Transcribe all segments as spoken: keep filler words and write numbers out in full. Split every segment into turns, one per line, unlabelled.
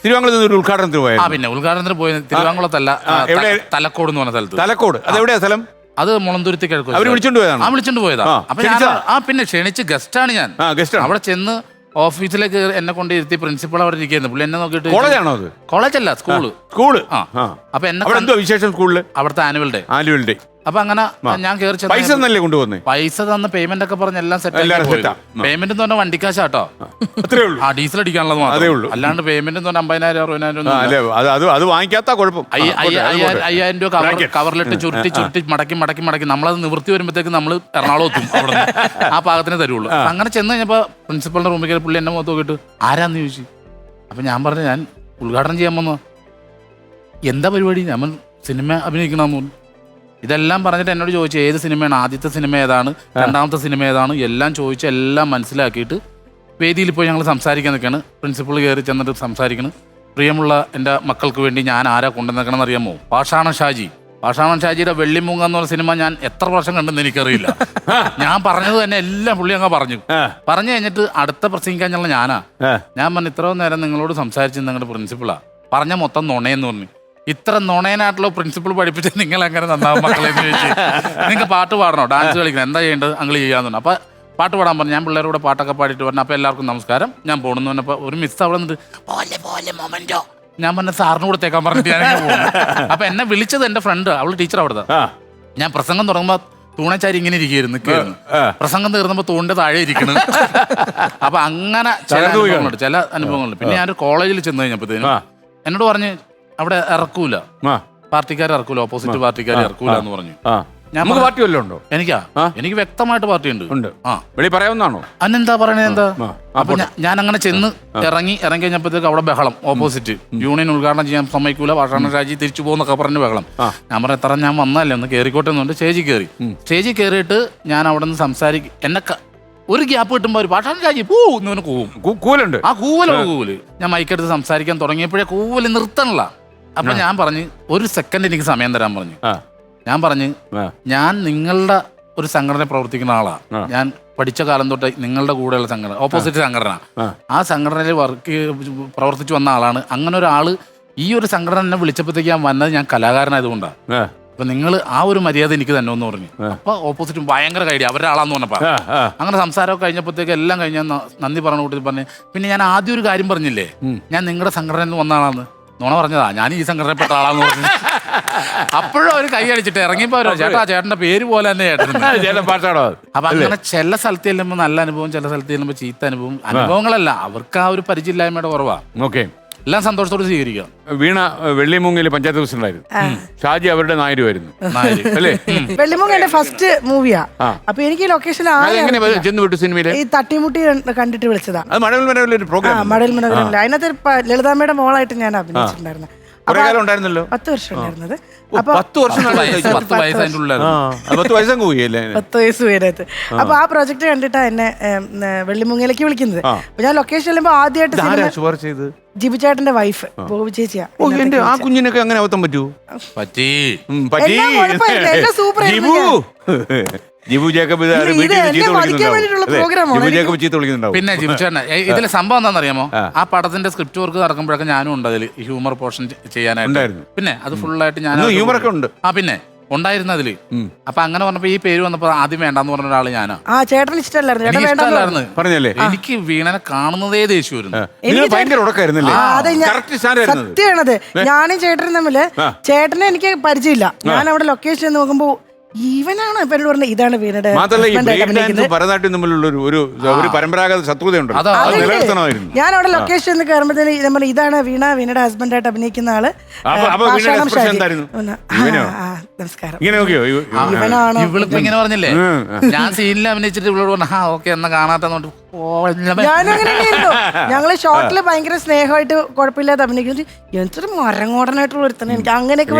തിരുവാങ്കുളത്ത് നിന്ന് ഒരു ഉദ്ഘാടനത്തിന് പോയത്.
ആ പിന്നെ ഉദ്ഘാടനത്തിന് പോയി തിരുവാങ്കുളത്തല്ല, തലക്കോട് എന്ന് പറഞ്ഞ സ്ഥലത്ത്.
തലക്കോട് അതെവിടെയാ സ്ഥലം?
അത് മുളന്തുരുത്തി കിഴക്ക്.
അവർ വിളിച്ചോണ്ട് പോയതാണ്.
ആ വിളിച്ചോണ്ട് പോയതാ. അപ്പൊ ഞാൻ ആ പിന്നെ ക്ഷണിച്ച് ഗസ്റ്റാണ് ഞാൻ. അവിടെ ചെന്ന് ഓഫീസിലേക്ക് എന്നെ കൊണ്ട് ഇരുത്തി പ്രിൻസിപ്പൾ അവിടെ ഇരിക്കുന്നു. പുള്ളി എന്നെ നോക്കിയിട്ട്,
കോളേജാണോ അത്?
കോളേജല്ല, സ്കൂള്.
സ്കൂള്.
അപ്പൊ എന്നെ
വിശേഷം സ്കൂളില് അവിടുത്തെ
ആനുവൽ ഡേ.
Annual day.
അപ്പൊ അങ്ങനെ ഞാൻ കയറി
പൈസ തന്നല്ലേ കൊണ്ടുവന്നേ?
പൈസ തന്ന് പേയ്മെന്റ് ഒക്കെ പറഞ്ഞ് എല്ലാം സെറ്റ്. പേയ്മെന്റ് എന്ന് പറഞ്ഞാൽ വണ്ടിക്കാശാട്ടോ. ആ ഡീസൽ അടിക്കാനുള്ളത് മാത്രമേ ഉള്ളൂ. അല്ലാണ്ട് പേയ്മെന്റ് എന്ന് പറഞ്ഞാൽ അമ്പതിനായിരം അറുപതിനായിരം
അത് വാങ്ങിക്കാത്ത കുഴപ്പം.
അയ്യായിരം രൂപ കവർ കവറിലിട്ട് ചുരുട്ടി ചുരുട്ടി മടക്കി മടക്കി മടക്കി നമ്മളത് നിവൃത്തി വരുമ്പോഴത്തേക്ക് നമ്മൾ എറണാകുളത്തും അവിടെ ആ പാകത്തിനെ തരുള്ളൂ. അങ്ങനെ ചെന്ന് കഴിഞ്ഞപ്പോ പ്രിൻസിപ്പളിന്റെ റൂമിൽ കയറി പുള്ളി എന്നെ മുഖത്ത് നോക്കിയിട്ട് ആരാന്ന് ചോദിച്ചു. അപ്പൊ ഞാൻ പറഞ്ഞു ഞാൻ ഉദ്ഘാടനം ചെയ്യാൻ വന്നു. എന്താ പരിപാടി? ഞാൻ സിനിമ അഭിനയിക്കണമെന്ന് പറഞ്ഞു. ഇതെല്ലാം പറഞ്ഞിട്ട് എന്നോട് ചോദിച്ചു ഏത് സിനിമയാണ്, ആദ്യത്തെ സിനിമ ഏതാണ്, രണ്ടാമത്തെ സിനിമ ഏതാണ്, എല്ലാം ചോദിച്ച് എല്ലാം മനസ്സിലാക്കിയിട്ട് വേദിയിൽ പോയി ഞങ്ങൾ സംസാരിക്കാൻ നിൽക്കുകയാണ്. പ്രിൻസിപ്പൾ കയറി ചെന്നിട്ട് സംസാരിക്കണം. പ്രിയമുള്ള എൻ്റെ മക്കൾക്ക് വേണ്ടി ഞാൻ ആരാ കൊണ്ടുവന്നേക്കണമെന്ന് അറിയാമോ? പാഷാണ ഷാജി. പാഷാണ ഷാജിയുടെ വെള്ളിമൂങ്ങ എന്ന് പറഞ്ഞ സിനിമ ഞാൻ എത്ര വർഷം കണ്ടെന്ന് എനിക്കറിയില്ല. ഞാൻ പറഞ്ഞത് തന്നെ എല്ലാം പുള്ളി അങ്ങ് പറഞ്ഞു. പറഞ്ഞു കഴിഞ്ഞിട്ട് അടുത്ത പ്രസംഗിക്കാൻ ഞങ്ങൾ ഞാനാ. ഞാൻ പറഞ്ഞു ഇത്രയും നേരം നിങ്ങളോട് സംസാരിച്ചത് നിങ്ങളുടെ പ്രിൻസിപ്പളാ, പറഞ്ഞ മൊത്തം നുണയെന്ന് പറഞ്ഞു. ഇത്ര നുണയനായിട്ടുള്ള പ്രിൻസിപ്പൾ പഠിപ്പിച്ച് നിങ്ങൾ എങ്ങനെ നന്നാവും മക്കളെ എന്ന് ചോദിച്ചു. നിങ്ങൾക്ക് പാട്ട് പാടണോ, ഡാൻസ് കളിക്കണം, എന്താ ചെയ്യേണ്ടത് അങ്ങൾ ചെയ്യാന്ന് പറഞ്ഞു. അപ്പൊ പാട്ട് പാടാൻ പറഞ്ഞു. ഞാൻ പിള്ളേരോട് പാട്ടൊക്കെ പാടിയിട്ട് പറഞ്ഞു. അപ്പൊ എല്ലാവർക്കും നമസ്കാരം, ഞാൻ പോകണമെന്ന് പറഞ്ഞപ്പോൾ ഒരു മിസ് അവിടെ നിന്നിട്ട് പോലെ പോലെ മൊമെന്റോ ഞാൻ പറഞ്ഞ സാറിന് കൂടെ തേക്കാൻ പറഞ്ഞിട്ട് ഞാൻ പോകുന്നു. അപ്പൊ എന്നെ വിളിച്ചത് എന്റെ ഫ്രണ്ട്, അവള് ടീച്ചർ അവിടുത്തെ. ഞാൻ പ്രസംഗം തുടങ്ങുമ്പോ തൂണച്ചാരി ഇങ്ങനെ ഇരിക്കുന്നു നിൽക്കുന്നു. പ്രസംഗം തീർന്നപ്പോ തൂണിന്റെ താഴെ ഇരിക്കണം. അപ്പൊ അങ്ങനെ ചില അനുഭവങ്ങളുണ്ട്, ചില അനുഭവങ്ങളുണ്ട്. പിന്നെ ഞാനൊരു കോളേജിൽ ചെന്ന് കഴിഞ്ഞപ്പോഴത്തേനും എന്നോട് പറഞ്ഞ് അവിടെ ഇറക്കൂല, പാർട്ടിക്കാർ ഇറക്കൂല, ഓപ്പോസിറ്റ് പാർട്ടിക്കാർ ഇറക്കൂല എന്ന് പറഞ്ഞു.
നമുക്ക് പാർട്ടി വല്ലതും ഉണ്ടോ?
എനിക്കാ എനിക്ക് വ്യക്തമായിട്ട് പാർട്ടി ഉണ്ട്.
ആ വെളി പറയാവുന്നതാണോ?
അന്നെന്താ പറയണേ എന്താ? അപ്പൊ ഞാൻ അങ്ങനെ ചെന്ന് ഇറങ്ങി ഇറങ്ങി കഴിഞ്ഞപ്പോഴത്തേക്ക് അവിടെ ബഹളം. ഓപ്പോസിറ്റ് യൂണിയൻ ഉദ്ഘാടനം ചെയ്യാൻ സമ്മതിക്കൂല, പാഷാണ ഷാജി തിരിച്ചു പോകുന്നൊക്കെ പറഞ്ഞ് ബഹളം. ഞാൻ പറഞ്ഞ എത്ര ഞാൻ വന്നല്ലേ ഒന്ന് കയറിക്കോട്ടെ എന്നുണ്ട്. സ്റ്റേജിൽ കയറി. സ്റ്റേജിൽ കയറിയിട്ട് ഞാൻ അവിടെ നിന്ന് സംസാരിക്കും. എന്നെ ഒരു ഗ്യാപ്പ് കിട്ടുമ്പോ ഒരു പാഷാണ ഷാജി പൂ എന്ന് കൂവും. കൂവലുണ്ട്. ആ കൂവല് കൂവല് ഞാൻ മൈക്കെടുത്ത് സംസാരിക്കാൻ തുടങ്ങിയപ്പോഴേ കൂവല് നിർത്തണല്ല. അപ്പൊ ഞാൻ പറഞ്ഞു ഒരു സെക്കൻഡ് എനിക്ക് സമയം തരാൻ പറഞ്ഞു. ഞാൻ പറഞ്ഞു ഞാൻ നിങ്ങളുടെ ഒരു സംഘടന പ്രവർത്തിക്കുന്ന ആളാ. ഞാൻ പഠിച്ച കാലം തൊട്ട് നിങ്ങളുടെ കൂടെയുള്ള സംഘടന, ഓപ്പോസിറ്റ് സംഘടന, ആ സംഘടനയിൽ വർക്ക് പ്രവർത്തിച്ചു വന്ന ആളാണ്. അങ്ങനെ ഒരാള് ഈ ഒരു സംഘടന എന്നെ വിളിച്ചപ്പോഴത്തേക്ക് ഞാൻ വന്നത് ഞാൻ കലാകാരനായതുകൊണ്ടാണ്. അപ്പൊ നിങ്ങൾ ആ ഒരു മര്യാദ എനിക്ക് തന്നെ എന്ന് പറഞ്ഞു. അപ്പൊ ഓപ്പോസിറ്റ് ഭയങ്കര കൈഡി അവരുടെ ആളാന്ന് പറഞ്ഞപ്പോ അങ്ങനെ സംസാരമൊക്കെ കഴിഞ്ഞപ്പോഴത്തേക്ക് എല്ലാം കഴിഞ്ഞാൽ നന്ദി പറഞ്ഞു കൂട്ടി പറഞ്ഞു. പിന്നെ ഞാൻ ആദ്യം ഒരു കാര്യം പറഞ്ഞില്ലേ, ഞാൻ നിങ്ങളുടെ സംഘടനയിൽ നിന്ന് വന്ന ആളാന്ന്. നുണ പറഞ്ഞതാ, ഞാൻ ഈ സംഘടനപ്പെട്ട ആളാന്ന് പറഞ്ഞു. അപ്പോഴും അവര് കൈ അടിച്ചിട്ട് ഇറങ്ങിപ്പോ ചേട്ടാ ചേട്ടന്റെ പേര് പോലെ തന്നെ ചേട്ടൻ പാട്ടാണോ. അപ്പൊ അങ്ങനെ ചില സ്ഥലത്ത് ചെല്ലുമ്പോ നല്ല അനുഭവം, ചില സ്ഥലത്ത് ചെല്ലുമ്പോ ചീത്ത അനുഭവം. അനുഭവങ്ങളല്ല, അവർക്ക് ആ ഒരു പരിചയമില്ലായ്മയുടെ കുറവാ. ഓക്കെ, എല്ലാം സന്തോഷത്തോടെ സ്വീകരിക്കാം.
വീണ വെള്ളിമൂങ്ങയില് പഞ്ചായത്ത് പ്രസിഡന്റായിരുന്നു. ഷാജി അവരുടെ നായരുമായിരുന്നു അല്ലേ?
വെള്ളിമൂങ്ങ എന്റെ ഫസ്റ്റ് മൂവിയാ. അപ്പൊ എനിക്ക് ലൊക്കേഷൻ
ചെന്ന് വിട്ടു സിനിമയില്
ഈ തട്ടിമുട്ടി കണ്ടിട്ട് വിളിച്ചതാ.
മടൽ മനോരമ പ്രോഗ്രാം.
മടൽ മനോരമ അതിനകത്ത് ലളിതാമ്മയുടെ മോളായിട്ട് ഞാൻ അഭിനയിച്ചിട്ടുണ്ടായിരുന്നു.
ഉണ്ടായിരുന്നല്ലോ.
പത്ത് വർഷം ഉണ്ടായിരുന്നത്.
പത്ത് വർഷം
പത്ത് വയസ്സ് പേരത്ത്. അപ്പൊ ആ പ്രോജക്ട് കണ്ടിട്ടാ എന്നെ വെള്ളിമൂങ്ങയിലേക്ക് വിളിക്കുന്നത്. അപ്പൊ ഞാൻ ലൊക്കേഷൻ ചെല്ലുമ്പോ ആദ്യമായിട്ട് ജിബു ചേട്ടന്റെ വൈഫ് ബോബി ചേച്ചിയാ.
ആ കുഞ്ഞിനൊക്കെ അങ്ങനെ അവത്തം പറ്റൂ? പറ്റി പറ്റി
സൂപ്പർ.
ജിബു ജേക്കബ്
പിന്നെ ജിബു ചേട്ടൻ ഇതിലെ സംഭവം എന്താണെന്നറിയാമോ? ആ പടത്തിന്റെ സ്ക്രിപ്റ്റ് വർക്ക് നടക്കുമ്പോഴൊക്കെ ഞാനും ഉണ്ട് അതിൽ ഹ്യൂമർ പോർഷൻ ചെയ്യാനായിട്ട്. പിന്നെ അത് ഫുള്ളായിട്ട് ഞാൻ
ഹ്യൂമറൊക്കെ ഉണ്ട്.
ആ പിന്നെ ഉണ്ടായിരുന്നു അതില്. അപ്പൊ അങ്ങനെ പറഞ്ഞപ്പോ ഈ പേര് വന്നപ്പോ ആദ്യം വേണ്ടെന്ന് പറഞ്ഞ ഒരാള് ഞാനാ.
ഇഷ്ടമല്ലായിരുന്നു
പറഞ്ഞല്ലേ.
എനിക്ക് വീണനെ കാണുന്നതേ ദേഷ്യമായിരുന്നു.
സത്യമാണത്. ഞാനും ചേട്ടനും തമ്മില് ചേട്ടനെ എനിക്ക് പരിചയമില്ല. ഞാൻ അവിടെ ലൊക്കേഷൻ നോക്കുമ്പോ ഇവനാണ് ഇവരോട് പറഞ്ഞത് ഇതാണ് വീണയുടെ.
ഭരതനാട്യം തമ്മിലുള്ള ഒരു പരമ്പരാഗത ശത്രുതയുണ്ട്.
ഞാൻ അവിടെ ലൊക്കേഷൻ കയറുമ്പോഴത്തേന് ഇതാണ് വീണ, വീണയുടെ ഹസ്ബൻഡായിട്ട് അഭിനയിക്കുന്ന ആള്. നമസ്കാരം.
ഇവളിപ്പോ ഇങ്ങനെ പറഞ്ഞില്ലേ, ഞാൻ സീനിൽ അഭിനയിച്ചിട്ട് ഇവളോട് പറഞ്ഞു ആ ഓക്കെ എന്നാ കാണാത്തോണ്ട്
ഞാനും അങ്ങനെ ഞങ്ങള് ഷോട്ടില് ഭയങ്കര സ്നേഹമായിട്ട് കുഴപ്പമില്ലാതെ അഭിനയിക്കുന്നത്. എന്തൊരു മരങ്ങോടനായിട്ടുള്ള ഒരുത്തന്നെ എനിക്ക് അങ്ങനെയൊക്കെ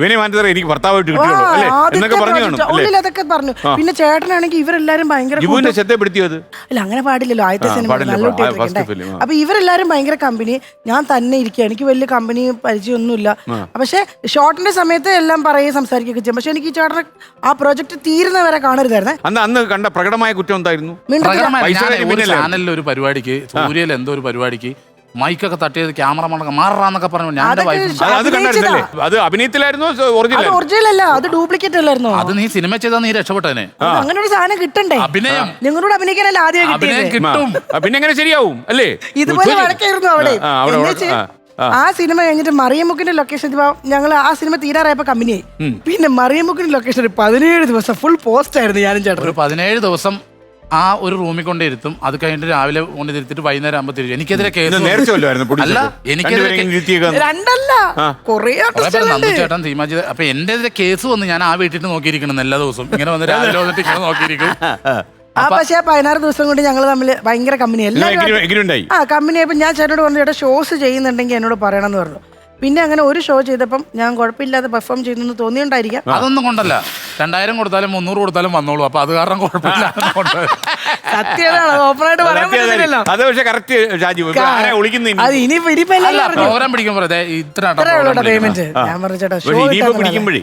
അതൊക്കെ പറഞ്ഞു. പിന്നെ ചേട്ടനാണെങ്കിൽ ഇവരെല്ലാരും ഭയങ്കര അല്ല അങ്ങനെ പാടില്ലല്ലോ, ആദ്യത്തെ സിനിമ നല്ല കുട്ടിയായിട്ടെ. അപ്പൊ ഇവരെല്ലാരും ഭയങ്കര കമ്പനി, ഞാൻ തന്നെ ഇരിക്കുക, എനിക്ക് വലിയ കമ്പനി പരിചയമൊന്നുമില്ല. പക്ഷെ ഷോട്ടിന്റെ സമയത്ത് എല്ലാം പറയുകയും സംസാരിക്കുകയൊക്കെ ചെയ്യും. പക്ഷെ എനിക്ക് ഈ ചേട്ടനെ ആ പ്രോജക്ട് തീരുന്നവരെ കാണരുതായിരുന്നേ.
അന്ന് കണ്ട പ്രകടമായ കുറ്റം എന്തായിരുന്നു?
ചാനലിൽ ഒരു പരിപാടിക്ക്, സൂര്യയിൽ എന്തോ ഒരു പരിപാടിക്ക് മൈക്കൊക്കെ തട്ടിയത് ക്യാമറമാണൊക്കെ മാറാന്നൊക്കെ പറഞ്ഞു ഞാൻ എന്റെ
അതൊക്കെ
വൈഫ്
അത് അത് കണ്ടായിരുന്നല്ലേ? അത് അഭിനയത്തിലായിരുന്നോ ഒറിജിനൽ?
ഒറിജിനൽ അല്ല, അത് ഡ്യൂപ്ലിക്കേറ്റ് അല്ലായിരുന്നോ?
അത് നീ സിനിമ ചെയ്താൽ നീ രക്ഷപ്പെട്ടനെ.
അത് അങ്ങനെ ഒരു സാധനം കിട്ടണ്ടേ?
അഭിനയം
നിങ്ങളോട് അഭിനയിക്കാനല്ല ആദ്യം
അഭിനയം
കിട്ടിയത്.
കിട്ടും.
പിന്നെ എങ്ങനെ ശരിയാവും അല്ലേ?
ഇതുപോലെ വഴക്കായിരുന്നു അവിടെ.
ആ, അവിടെ,
എന്നുവെച്ച്
ആ, ആ.
ആ സിനിമ കഴിഞ്ഞിട്ട് മറിയമുക്കിന്റെ ലൊക്കേഷൻ ഞങ്ങൾ ആ സിനിമ തീരാറായപ്പോ കമ്പനിയായി. പിന്നെ മറിയമുക്കിന്റെ ലൊക്കേഷൻ ഒരു പതിനേഴ് ദിവസം ഫുൾ പോസ്റ്റ് ആയിരുന്നു ഞാനും ചേട്ടൻ.
ഒരു പതിനേഴ് ദിവസം ആ ഒരു റൂമിൽ കൊണ്ടിരുത്തും. അത് കഴിഞ്ഞിട്ട് രാവിലെ കൊണ്ടിരുത്തിട്ട് വൈകുന്നേരം ആകുമ്പോൾ തിരിച്ചു. എനിക്കെതിരെ കേസ്
നേർച്ച വല്ലതുമായിരുന്നു
അല്ല,
പൊടിച്ചത്?
എനിക്കെതിരെ
രണ്ടുപേരെയും ഇരുത്തിയേക്കാൻ?
രണ്ടല്ല, കൊറേ
കുറെ പേര് നന്ദു ചേട്ടൻ തീമാജി. അപ്പൊ എന്റെ എതിരെ കേസ് വന്ന് ഞാൻ ആ വീട്ടിൽ നോക്കിയിരിക്കണം എല്ലാ ദിവസവും. ഇങ്ങനെ വന്ന് രാവിലെ വന്നിട്ട് ഇങ്ങനെ നോക്കിയിരിക്കും.
ആ പക്ഷേ പതിനാറ് ദിവസം കൊണ്ട് ഞങ്ങൾ തമ്മിൽ ഭയങ്കര കമ്പനി. എല്ലാവരും
എങ്ങനെയുണ്ടായി?
ആ കമ്പനി ആയപ്പോൾ ഞാൻ ചേട്ടനോട് പറഞ്ഞു, ചേട്ടാ ഷോസ് ചെയ്യുന്നുണ്ടെങ്കിൽ എന്നോട് പറയണം എന്ന് പറഞ്ഞു. പിന്നെ അങ്ങനെ ഒരു ഷോ ചെയ്തപ്പം ഞാൻ കുഴപ്പമില്ലാതെ പെർഫോം ചെയ്യുന്നു തോന്നിയുണ്ടായിരിക്കാം.
അതൊന്നും കൊണ്ടല്ല, രണ്ടായിരം കൊടുത്താലും മുന്നൂറ് കൊടുത്താലും വന്നോളൂ. അപ്പൊ അത് കാരണം കുഴപ്പമില്ല.
സത്യമാണ്, ഓപ്പണായിട്ട് പറയാൻ പറ്റില്ലല്ലോ.
അത് പക്ഷെ കറക്റ്റ് ഷാജി. ആരാ വിളിക്കുന്നത്?
അത് ഇനി ഇനിയിപ്പോ
അല്ല,
എല്ലാവരും
പ്രോഗ്രാം പിടിക്കുമ്പോൾ ഇത്ര
പേയ്മെന്റ് ഞാൻ പറഞ്ഞു ചേട്ടാ ഷോ
ഇനിയിപ്പോ പിടിക്കുമ്പോഴേ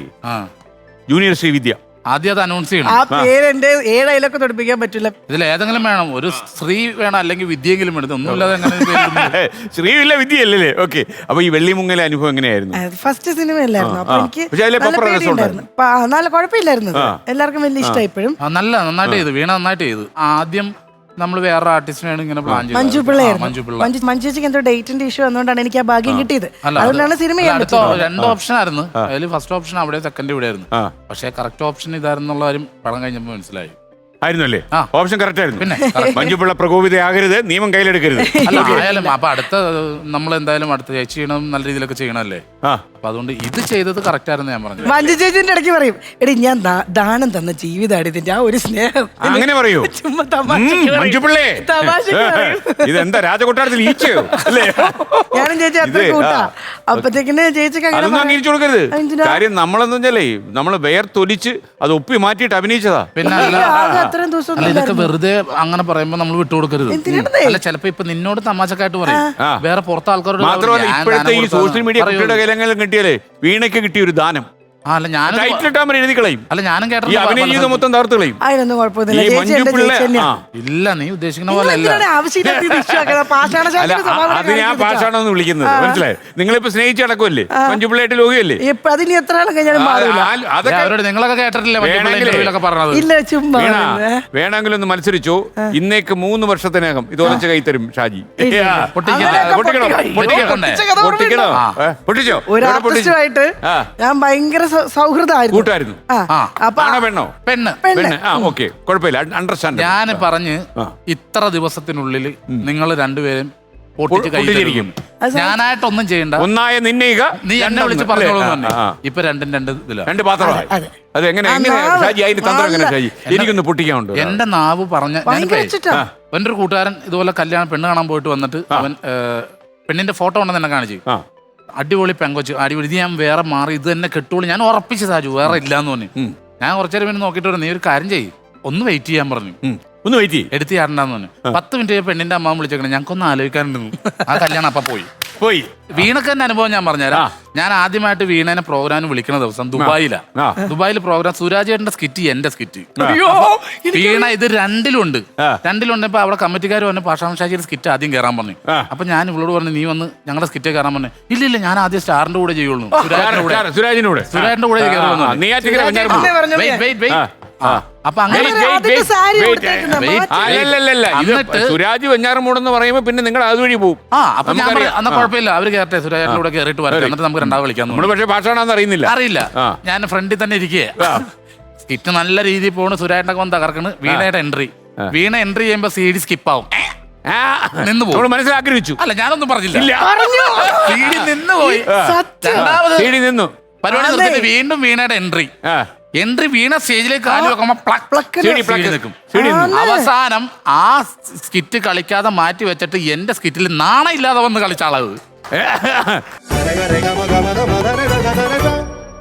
ജൂനിയർ ശ്രീവിദ്യ
ആദ്യം അത് അനൗൺസ് ചെയ്യണം.
ആ പേര് എന്റെ ഏഴയിലൊക്കെ തൊടിപ്പിക്കാൻ പറ്റില്ല.
ഇതിൽ ഏതെങ്കിലും വേണം, ഒരു സ്ത്രീ വേണം, അല്ലെങ്കിൽ വിദ്യയെങ്കിലും വേണം. ഒന്നുമില്ലാതെ എങ്ങനെ
ശ്രീവില്ല വിദ്യയല്ലേ? ഓക്കെ. അപ്പൊ ഈ വെള്ളിമുങ്ങലെ അനുഭവം എങ്ങനെയായിരുന്നു?
ഫസ്റ്റ് സിനിമ അല്ലായിരുന്നു, അപ്പൊ എനിക്ക്
പക്ഷേ അതിലെ
നല്ല
പപ്പട രസം
പേടിയുണ്ടായിരുന്നു. പ- ആ, നല്ല കുഴപ്പമില്ലായിരുന്നു. എല്ലാവർക്കും വലിയ ഇഷ്ടമായി. ഇപ്പോഴും
ആ, നല്ല നന്നായിട്ട് ചെയ്തു. വീണ നന്നായിട്ട് ചെയ്തു. ആദ്യം നമ്മൾ വേറെ ആർട്ടിസ്റ്റിനാണ് ഇങ്ങനെ പ്ലാൻ ചെയ്തത്.
മഞ്ജു
ആ,
പിള്ളയായിരുന്നു.
മഞ്ജു പിള്ള.
മഞ്ജു മഞ്ജുച്ചിക്ക് എന്തോ ഡേറ്റിന്റെ ഇഷ്യൂ വന്നുകൊണ്ടാണ് എനിക്ക് ആ ഭാഗ്യം കിട്ടിയത്.
അല്ല,
അതുകൊണ്ടാണ് സിനിമ ചെയ്യാൻ
അടുത്ത
പറ്റുന്നത്.
രണ്ട് ഓപ്ഷൻ ആയിരുന്നു. അതിൽ ഫസ്റ്റ് ഓപ്ഷൻ അവിടെ, സെക്കൻഡ് ഇവിടെ ആയിരുന്നു.
ആ.
പക്ഷേ കറക്റ്റ് ഓപ്ഷൻ ഇതായിരുന്നുള്ള കാര്യം പടം കഴിഞ്ഞപ്പോൾ മനസ്സിലായി.
ആയിരുന്നല്ലേ?
ആ.
ഓപ്ഷൻ കറക്റ്റ് ആയിരുന്നു.
പിന്നെ
മഞ്ജുപിള്ള പ്രകോപിതയാകരുത്, നിയമം കയ്യിലെടുക്കരുത്.
അല്ല, ആയാലും അപ്പൊ അടുത്ത നമ്മൾ എന്തായാലും അടുത്ത ചേച്ചി ചെയ്യണം, നല്ല രീതിയിലൊക്കെ ചെയ്യണമല്ലേ.
ആ.
അപ്പൊ അതുകൊണ്ട് ഇത് ചെയ്തത് കറക്റ്റ് ആയിരുന്നു ഞാൻ പറഞ്ഞു.
മഞ്ജു ചേച്ചിന്റെ ഇടയ്ക്ക് പറയും, എടി ഞാൻ ദാ- ദാനം തന്ന ജീവിതമാണ് ഇതിന്റെ ആ ഒരു സ്നേഹം.
അങ്ങനെ പറയൂ.
ചുമ്മാ
ഉം,
തമാശക്ക് പറയും.
മഞ്ജുപിള്ളേ,
തമാശക്ക് പറയും.
ഇതെന്താ രാജകൊട്ടാരത്തിൽ ഈച്ചയോ അല്ലേ?
ഞാനും ചേച്ചി അത്ര
ഇത്,
കൂട്ടാ.
ആ.
അപ്പത്തേക്കിന് ചേച്ചിക്ക് അങ്ങനെ
അതൊന്നും
പറയാം.
അംഗീകരിച്ചു കൊടുക്കരുത്.
എന്തിനാ?
കാര്യം നമ്മളെന്ന് വെച്ചാലേ നമ്മള് വേർത്തൊലിച്ച് അത് ഒപ്പി മാറ്റിയിട്ട് അഭിനയിച്ചതാ.
പിന്നെ അല്ല,
ആകെ അത്രയും ദിവസം
അല്ല, ഇതൊക്കെ വെറുതെ അങ്ങനെ പറയുമ്പോ നമ്മൾ വിട്ടുകൊടുക്കരുത്.
എന്തിനാണ്?
അല്ല, ചിലപ്പോ ഇപ്പൊ നിന്നോട് തമാശക്കായിട്ട് പറയും,
ആ.
വേറെ പുറത്തെ ആൾക്കാരോട്
മാത്രമല്ല
ഞാൻ
ഇപ്പോഴത്തെ
ദാനം
ഈ
കൊടുത്തതാണ്.
സോഷ്യൽ മീഡിയ
പറയൂ.
കുട്ടിയുടെ കൈലെങ്കിലും കിട്ടിയാലേ വീണയ്ക്ക് കിട്ടിയ ഒരു ദാനം
ആ, അല്ല ഞാനും
ടൈറ്റിൽ ഇട്ടാൻ പറ്റും, എഴുതി കളയും.
അല്ല ഞാനും
ഈ
കേട്ടിട്ടുണ്ട്
അഭിനയ
പല
ജീവിതം
സ്ഥലത്തും.
മൊത്തം തകർത്ത് കളയും.
അതിനൊന്നും കുഴപ്പമൊന്നുമില്ല.
ഈ
ചേച്ചി
മഞ്ജു
എന്റെ
പിള്ള
ചേച്ചി തന്നെയാ.
ആ.
ഇല്ല, നീ ഉദ്ദേശിക്കുന്ന
നിങ്ങൾ
പോലെ അല്ല.
എന്തിനാണ് ആവശ്യമില്ലാത്ത ഇത് issue ആക്കുന്നത്? പാഷാണ
അല്ല
ശാസ്ത്രി
ആ-
സ്വഭാവം
അത് ഞാൻ
കാണിച്ചിട്ടാ.
പാഷാണെന്ന് വിളിക്കുന്നത് മനസ്സിലായി. നിങ്ങളിപ്പോ സ്നേഹിച്ച് നടക്കുമല്ലേ മഞ്ജുപിള്ളയായിട്ട് ലോകിയല്ലേ?
ഇപ്പൊ അതിന് എത്ര ആളും കഴിഞ്ഞാലും മാറില്ല.
ഏ,
അതൊക്കെ
അവരോട് നിങ്ങളൊക്കെ കേട്ടിട്ടില്ലേ
വേണമെങ്കിലേ.
ഇന്റർവ്യൂലൊക്കെ പറഞ്ഞത്?
ഇല്ല, ചുമ്മാ
വീണ
ഇരുന്ന്.
വേണമെങ്കിലും ഒന്ന് മത്സരിച്ചോ. ഇന്നേക്ക് മൂന്ന് വർഷത്തിനകം ഇത് ഒലച്ച കൈ തരും ഷാജി.
ഇല്ല.
ആ,
പൊട്ടിക്കില്ല.
അങ്ങനെയൊക്കെ
പൊട്ടിക്കണോ?
പൊട്ടിക്കണം.
പൊട്ടിക്കണോ?
പൊട്ടിച്ച കഥ
പൊട്ടിക്കണോ?
ഓർമ്മയുണ്ടോ?
ഏ, പൊട്ടിച്ചോ?
ഒരു
എവിടെ പൊട്ടിച്ചു?
ആർട്ടിസ്റ്റുമായിട്ട്
ആ.
ഞാൻ ഭയങ്കര സൗ- സൗഹൃദമായിരുന്നു.
കൂട്ടായിരുന്നു.
ആ.
ആ.
അപ്പൊ
ആണോ പെണ്ണോ?
പെണ്ണ്
പെണ്ണ്. ആ ഓക്കെ, കുഴപ്പമില്ല, അണ്ടർസ്റ്റാൻഡ്.
ഞാൻ പറഞ്ഞ്
ആ.
ഇത്ര ദിവസത്തിനുള്ളിൽ നിങ്ങൾ രണ്ടുപേരും പൊട്ടിച്ച് കൈ
പൊട്ടിച്ചിരിക്കും.
തരും. ഞാനായിട്ടൊന്നും ചെയ്യണ്ട,
ഒന്നായ നിന്നയിക
നീ എന്നെ വിളിച്ച്
രണ്ടെണ്ണം,
പറഞ്ഞോളൂ
അല്ലേ?
തന്നെ.
ആ, ആ.
ഇപ്പൊ രണ്ടും രണ്ട് ഇതിലാണ്.
രണ്ട് പാത്രമായി.
അതെ.
അത് എങ്ങനെ
ആ,
എങ്ങനെ
നാവ്.
ഷാജി അതിന്റെ തന്ത്രം എങ്ങനെ
നാവ്.
ഷാജി? എനിക്കൊന്ന് പൊട്ടിക്കാനുണ്ട്.
എന്റെ നാവ് പറഞ്ഞ
ഭയങ്കര വെച്ചിട്ടാ.
എൻ്റെ ഒരു കൂട്ടുകാരൻ ഇതുപോലെ കല്യാണം പെണ്ണ് കാണാൻ പോയിട്ട് വന്നിട്ട് അവൻ ഏ, പെണ്ണിന്റെ ഫോട്ടോ ഉണ്ടെന്ന് എന്നെ കാണിച്ചു.
ആ.
അടിപൊളി പെങ്കൊച്ച്, അടിപൊളി, ഇത് ഞാൻ വേറെ മാറി ഇത് തന്നെ കെട്ടുള്ളൂ. ഞാൻ ഉറപ്പിച്ചു സാജു, വേറെ ഇല്ലാന്ന് പറഞ്ഞു. ഞാൻ കുറച്ചേരം പിന്നെ നോക്കിയിട്ട് പറഞ്ഞു, നീ ഒരു കാര്യം ചെയ്യ്, ഒന്ന് വെയിറ്റ് ചെയ്യാൻ പറഞ്ഞു.
ഉം. ഒന്ന് വെയിറ്റ് ചെയ്യ്.
എടുത്ത് ചാടണ്ടെന്ന് പറഞ്ഞു. പത്ത് മിനിറ്റ് പെണ്ണിന്റെ അമ്മ വിളിച്ചേക്കണേ, ഞങ്ങൾക്കൊന്ന് ആലോചിക്കാനുണ്ടെന്നു. ആ കല്യാണം അപ്പൊ പോയി.
പോയി.
വീണക്ക് തന്നെ അനുഭവം ഞാൻ പറഞ്ഞുതരാം. ഞാൻ ആദ്യമായിട്ട് വീണേനെ പ്രോഗ്രാമിന് വിളിക്കുന്ന ദിവസം ദുബായിലാ.
ആ.
ദുബായിൽ പ്രോഗ്രാം സുരാജേട്ടന്റെ സ്കിറ്റ്, എന്റെ സ്കിറ്റ്.
അയ്യോ,
വീണ ഇത് രണ്ടിലുണ്ട്.
ആ.
രണ്ടിലുണ്ട്. ഇപ്പൊ അവിടെ കമ്മിറ്റിക്കാർ പറഞ്ഞു പാഷാണം ഷാജിയുടെ സ്കിറ്റ് ആദ്യം കയറാൻ പറഞ്ഞു.
ആ.
അപ്പൊ ഞാൻ ഇവളോട് പറഞ്ഞു, നീ വന്ന് ഞങ്ങളുടെ സ്കിറ്റ് കയറാൻ പറഞ്ഞു. ഇല്ല ഇല്ല, ഞാൻ ആദ്യം സ്റ്റാറിന്റെ കൂടെ ചെയ്യുള്ളൂ. സുരാജിന്റെ കൂടെ
സുരാജിന്റെ കൂടെ
സുരാജിന്റെ കൂടെ കയറുമെന്ന് പറഞ്ഞു.
നെയ്യാറ്റിക്കര
സുരാജ്
വെഞ്ഞാറമൂട്.
ചേട്ടനെ പറഞ്ഞു.
Wait, wait, wait.
ആ. ആ.
അപ്പൊ അങ്ങനെ
Wait, wait,
അതിന്റെ
wait,
സാരി
wait,
കൊടുത്തേക്കുന്ന
wait.
മാറ്റി.
അല്ലല്ലല്ല, ഇത്
എന്നിട്ട്
സുരാജ് വെഞ്ഞാറമൂടെന്ന് പറയുമ്പോ പിന്നെ നിങ്ങൾ അതുവഴി പോകും.
ആ അപ്പൊ ഞാൻ
നമുക്കറിയാം.
പറഞ്ഞു, എന്നാ കുഴപ്പമില്ല, അവര് കയറട്ടെ, സുരാജിന്റെ കൂടെ കയറിയിട്ട് വരട്ടെ, എന്നിട്ട് നമുക്ക് രണ്ടാമത് വിളിക്കാൻ
നമ്മള് പക്ഷേ ഭാഷയാണെന്ന് അറിയുന്നില്ല.
അറിയില്ല.
ആ.
ഞാൻ ഫ്രണ്ടിൽ തന്നെ ഇരിക്കുക. സ്കിറ്റ് നല്ല രീതിയിൽ പോണ്, സുരാജിന്റെ വന്ന് തകർക്കണ്. വീണയുടെ എൻട്രി വീണ എൻട്രി ചെയ്യുമ്പോ സി ഡി സ്കിപ്പ് ആവും, നിന്ന് പോകും.
നമ്മൾ മനസ്സിലാഗ്രഹിച്ചു.
അല്ല, ഞാനൊന്നും പറഞ്ഞില്ല.
ഇല്ല.
സി ഡി നിന്ന് പോയി.
സത്യം.
രണ്ടാമത്
സീഡി നിന്നു.
പരിപാടി നിർത്തിയിട്ട് വീണ്ടും വീണയുടെ എൻട്രി
ആ.
എൻട്രി വീണ സ്റ്റേജിലേക്ക് കാല് വെക്കുമ്പോ പ്ലക്ക്
പ്ലക്ക്
സി ഡി
പ്ലക്ക്
പ്ലക്ക് നിൽക്കും.
സീഡി നിന്നു.
അവസാനം ആ സ്കിറ്റ് കളിക്കാതെ മാറ്റി വെച്ചിട്ട് എന്റെ സ്കിറ്റിൽ നാണയില്ലാതെ വന്ന് കളിച്ച ആളത്.
Rega, rega, maga, maga, maga, rega, rega, rega.